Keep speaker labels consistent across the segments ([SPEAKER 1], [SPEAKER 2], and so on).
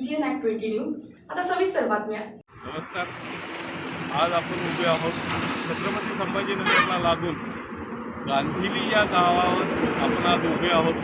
[SPEAKER 1] GN@20 news. आता सविस्तर बातम्या.
[SPEAKER 2] नमस्कार. आज आपण उभे आहोत छत्रपती संभाजीनगरला लागून गांधिली या गावावर आपण आज उभे आहोत.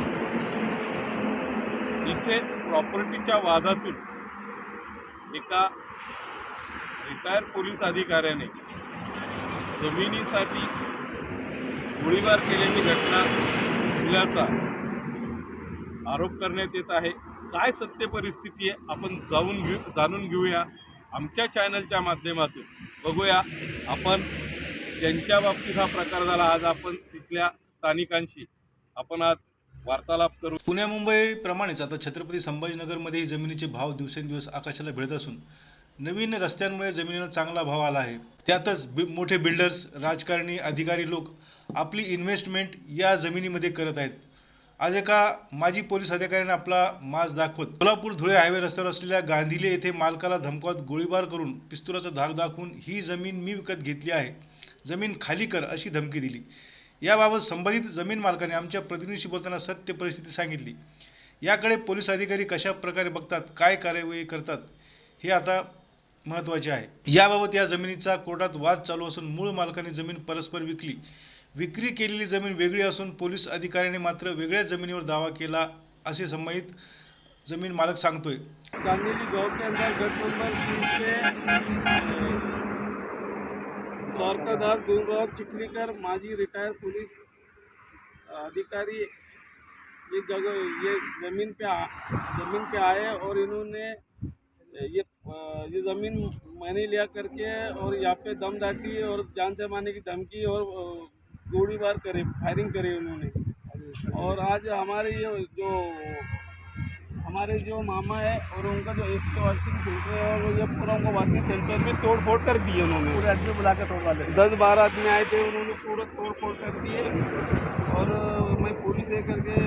[SPEAKER 2] इथे प्रॉपर्टीच्या वादातून एका रिटायर पोलीस अधिकाऱ्याने जमिनीसाठी गोळीबार केल्याची घटना घडल्याचा आरोप करण्यात येत आहे. काय सत्य परिस्थिती आहे आपण जाणून घेऊया आमच्या चॅनलच्या माध्यमातून. बघूया आपण ज्यांच्या बाबतीत हा प्रकार झाला. आज आपण तिथल्या स्थानिकांशी आपण आज वार्तालाप करू.
[SPEAKER 3] पुण्या मुंबई प्रमाणेच आता छत्रपती संभाजीनगरमध्येही जमिनीचे भाव दिवसेंदिवस आकाशाला भिडत असून नवीन रस्त्यांमुळे जमिनीला चांगला भाव आला आहे. त्यातच मोठे बिल्डर्स, राजकारणी, अधिकारी लोक आपली इन्व्हेस्टमेंट या जमिनीमध्ये करत आहेत. आज एका माजी पोलीस अधिकाऱ्याने आपला माज दाखवत सोलापूर धुळे हायवे रस्त्यावर असलेल्या गांधिले येथे मालकाला धमकावत गोळीबार करून पिस्तुलाचा धाक दाखवून ही जमीन मी विकत घेतली आहे, जमीन खाली कर अशी धमकी दिली. याबाबत संबंधित जमीन मालकाने आमच्या प्रतिनिधीशी बोलताना सत्य परिस्थिती सांगितली. याकडे पोलीस अधिकारी कशा प्रकारे बघतात, काय कार्यवाही करतात हे आता महत्त्वाचे आहे. याबाबत या जमिनीचा कोर्टात वाद चालू असून मूळ मालकाने जमीन परस्पर विकली. विक्री केलेली जमीन वेगळी असून पोलीस अधिकाऱ्याने मात्र वेगळ्या जमिनीवर दावा केला असे संबंधित जमीन मालक सांगतोय.
[SPEAKER 2] गांधिली गांव के अंदर गट नंबर 3 से द्वारकादास गुरुराव चिखलीकर माजी रिटायर पुलिस अधिकारी ये जमीन पे आए और इन्होंने ये ज़मीन मैंने लिया करके और यहाँ पे दम दाटी और जान से मारने की धमकी और गोलीबार करे, फायरिंग करे उन्होंने. और आज हमारे जो मामा है और उनका जो वॉशिंग सेंटर है और ये पूरा उनको वॉशिंग सेंटर में तोड़ फोड़ कर दिए उन्होंने. पूरे आदमी बुला कर तोड़ डाले. 10-12 आदमी आए थे, उन्होंने पूरा तोड़ फोड़ कर दिए. और मैं पुलिस है करके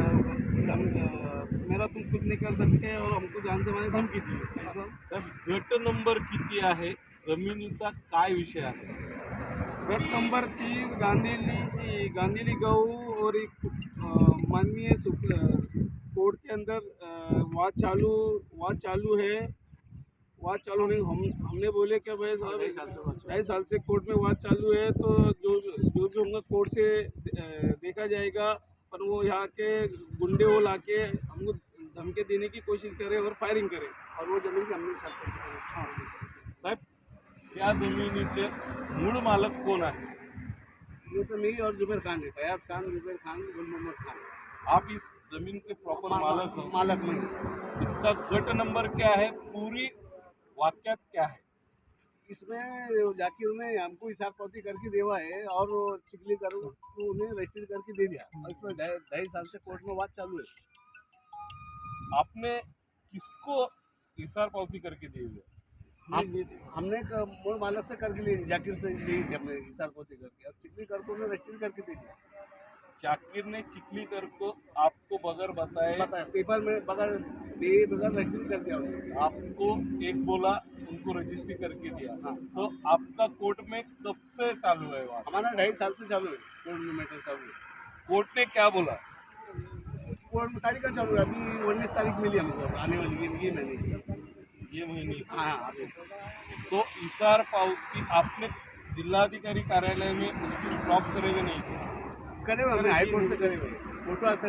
[SPEAKER 2] मेरा तुम कुछ नहीं कर सकते और हमको जान से मारने धमकी दी. गट नंबर किती आहे, जमिनीचा काय विषय आहे? गट नंबर 30 गांधिली गऊ और एक माननीय कोर्ट के अंदर वाद चालू है. वाद चालू नहीं, हमने बोले कि भाई साहब 2.5 साल से कोर्ट में वाद चालू है, तो जो भी होगा कोर्ट से देखा जाएगा. पर वो यहाँ के गुंडे वो लाके हमको धमकी देने की कोशिश करे और फायरिंग करे और वो जमीन की हमने साहब या जमिनीचे मूळ मालक कोण आहे?
[SPEAKER 4] जैसे मैं और जुबेर खान है, फयाज खान, जुबेर खान, गुल मोहम्मद खान.
[SPEAKER 2] आप इस जमीन के प्रॉपर मालक हो?
[SPEAKER 4] मालक नहीं.
[SPEAKER 2] इसका गट नंबर क्या है, पूरी वाक्यात क्या है?
[SPEAKER 4] इसमें जाकिर ने हमको हिसाब पाती करके देवा है और वो चिखली कर उन्हें रजिस्टर करके दे दिया. और इसमें 2.5 साल से कोर्ट में वाद चालू है.
[SPEAKER 2] आपने किसको इशार पावती करके दी हुई है?
[SPEAKER 4] हमने मूल मालक से करके ली, जाकिर से ली थी हमने हिसाब पाती करके. और चिखली कर को उन्हें रजिस्टर करके दे दिया.
[SPEAKER 2] जाकिर ने चिखलीकर को आपको बगैर बताए
[SPEAKER 4] पेपर में बगैर रजिस्टर कर दिया उन्होंने.
[SPEAKER 2] आपको एक बोला, उनको रजिस्ट्री करके दिया. हाँ. तो आपका कोर्ट में कब से चालू है? वहाँ
[SPEAKER 4] हमारा 2.5 साल से चालू है. कोर्ट में मैटर चालू है.
[SPEAKER 2] कोर्ट ने क्या बोला?
[SPEAKER 4] कोर्ट में तारीख का चालू है. अभी 19 तारीख मिली हमको, आने वाली ये महीने. हाँ.
[SPEAKER 2] तो इशार पावती आपने जिलाधिकारी कार्यालय में उसकी ड्रॉप करेंगे नहीं?
[SPEAKER 4] करे हुए हमने हाई कोर्ट से करे हुए. फोटो आती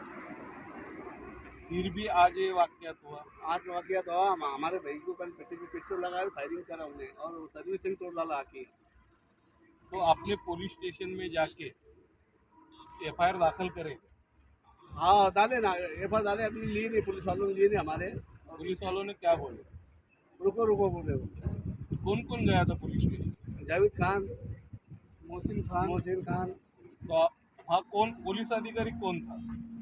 [SPEAKER 2] फिर भी आज ये वाकयात हुआ.
[SPEAKER 4] आज वाकया तो हमारे भाई को कल पेटी पे पिस्टल लगाया, फायरिंग करा उन्हें और सर्विसिंग तोड़ डाला आके.
[SPEAKER 2] तो आपने पुलिस स्टेशन में जाके FIR दाखिल करे?
[SPEAKER 4] हाँ डाले ना, FIR डाले. अभी लिए नहीं, पुलिस वालों ने लिए नहीं हमारे.
[SPEAKER 2] पुलिस वालों ने क्या बोले?
[SPEAKER 4] रुको बोल रहे हो.
[SPEAKER 2] कौन कौन गया था पुलिस स्टेशन?
[SPEAKER 4] जावेद खान, मोहसिन खान.
[SPEAKER 2] तो हाँ, कौन पुलिस अधिकारी कौन था?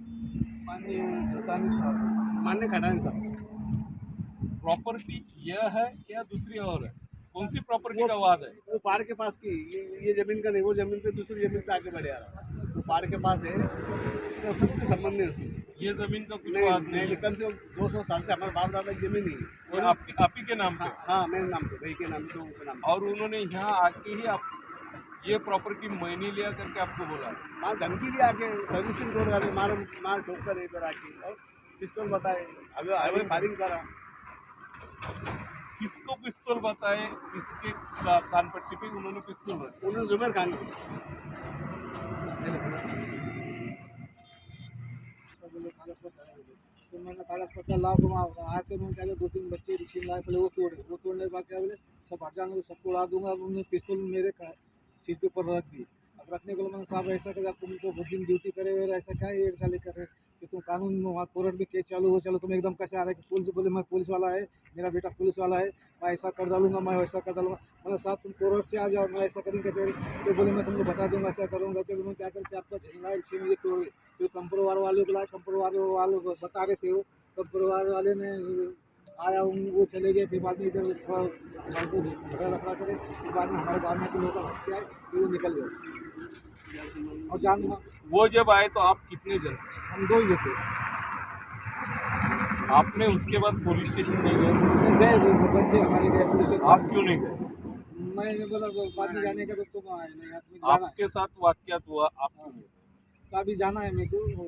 [SPEAKER 4] मान्य खटानी साहब.
[SPEAKER 2] प्रॉपर्टी यह है क्या दूसरी और है? कौन सी प्रॉपर्टी का वाद है?
[SPEAKER 4] वो पहाड़ के पास की, ये जमीन का नहीं, वो जमीन पे दूसरी जमीन पे आगे बढ़े आ रहा. वो पहाड़ के पास है, इसका कुछ संबंध नहीं उसमें.
[SPEAKER 2] ये जमीन का कुछ वाद नहीं?
[SPEAKER 4] कम से कम 200 साल से हमारे बाप दादा की जमीन नहीं है.
[SPEAKER 2] आप ही के नाम पे?
[SPEAKER 4] हाँ मेरे नाम पे, भाई के नाम पे, उनके नाम पे.
[SPEAKER 2] और उन्होंने यहाँ आके ही आप ये प्रॉपर्टी मैंने लिया करके आपको बोला?
[SPEAKER 4] मार धमकी दी आके, सर्विसिंग तोड़ डाले, मार ठोक कर इधर आके. और पिस्तौल बताए, अभी फायरिंग करा।
[SPEAKER 2] किसको पिस्तौल बताए, किसके कान पट्टी पे उन्होंने पिस्तौल रखी?
[SPEAKER 4] उन्होंने जुमेर खान को बोले कागज पत्र है बोले। तो मैंने कागज पत्र लाओ, तुम आके मैंने कहा 2-3 बच्चे रिक्शे लाए, पहले वो तोड़ने के बाद क्या बोले सब हट जाने, सबको उड़ा दूंगा। उन्होंने पिस्तौल मेरे सीट के ऊपर रख दी। अब रखने को मैंने साहब ऐसा कर, तुम तो बहुत दिन ड्यूटी करे हुए, ऐसा क्या ये साले कर रहे कि तुम कानून में वहाँ कोर्ट में केस चालू हो, चलो तुम एकदम कैसे आ रहे कि पुलिस बोले मैं पुलिस वाला है, मेरा बेटा पुलिस वाला है, मैं ऐसा कर डालूंगा, मैं वैसा कर डालूंगा। मतलब साहब तुम कोर्ट से आ जाओ, मैं ऐसा करेंगे कैसे? तो बोले मैं तुमको बता दूंगा, ऐसा करूँगा। तो मैं क्या करते आपका झंडा रिक्शे में ये तोड़ गए। तो कंपरोवार वाले को लाए, कंपरोवार वाले बता रहे थे, वो कंपरोवार वाले ने आया, वो चले गए। फिर बाद में इधर थोड़ा हमको झगड़ा रखा करे, फिर बाद में हमारे गाँव में के लोग हत्या है, फिर वो निकल गए। और जान
[SPEAKER 2] वो जब आए तो आप कितने जन थे?
[SPEAKER 4] हम 2 ही थे।
[SPEAKER 2] आपने उसके बाद पुलिस स्टेशन नहीं गए?
[SPEAKER 4] गए वो बच्चे हमारे गए पुलिस से।
[SPEAKER 2] आप क्यों नहीं गए?
[SPEAKER 4] मैंने बोला बाद में जाने का, तो तुम आए नहीं, आदमी जाना है,
[SPEAKER 2] आपके साथ वाकयात हुआ, आप क्यों नहीं गए?
[SPEAKER 4] अभी जाना है मेरे को।